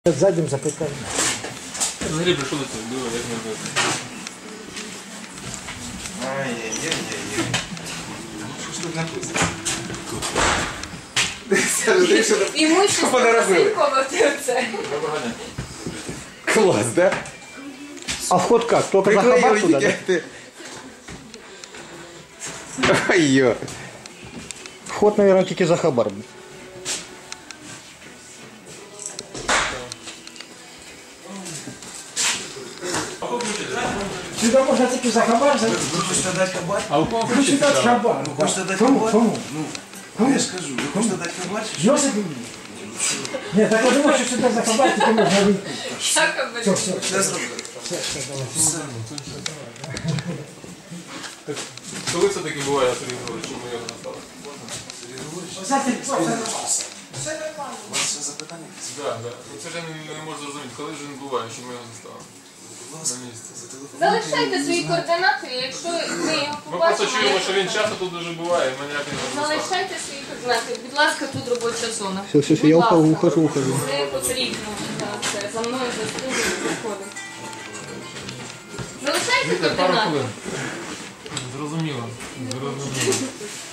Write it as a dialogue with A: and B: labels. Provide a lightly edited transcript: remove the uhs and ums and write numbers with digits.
A: Заднім запитання.
B: Взагалі прийшов до цього, диво, як не робити.
C: Ай-яй-яй-яй. Що ж тут написано?
D: Імущество засвідковувати оце.
B: Доброго дня.
C: Класс, да?
A: А вход как? Только за хабар
C: Приклеил
A: туда, да?
C: этикетки. Ой-ё.
A: Вход, наверное, тільки за хабар. Сюда можно тільки за хабар.
C: Вы хочете дать хабар?
B: А у кого
A: Хочу
B: включити
A: дати
B: справа?
A: хабар.
C: Вы хочете дать
A: Кому?
C: хабар?
A: Кому?
C: Ну, я ж скажу, вы хочете дать хабар?
A: Йосип мені? Ні, так я думав, що сюди за хабар тільки можна вийти.
D: Якоби.
A: Все, все.
C: Сейчас зроблю.
B: Коли це таки буває, Сергій Григорович, що ми його настали?
A: Все нормально.
C: У вас ще запитання?
B: Так, так. Це ж я не можу зрозуміти, коли ж він буває, що ми його застали.
C: Будь ласка,
B: На місці.
C: зателефонуйте.
D: Залишайте свої координати, якщо ми його
B: Ми просто чуємо, що
D: побачимо.
B: він часто тут дуже буває, і ми ніяк не можемо застати.
D: Залишайте свої координати. Будь ласка, тут робоча зона.
A: Все,
D: Будь
A: я
D: ласка.
A: ухожу.
D: Це потрібно. Так, це за мною заслужено виходить. Залишайте
B: Віктор, пару
D: координати.
B: хвилин. Зрозуміло. Зрозуміло.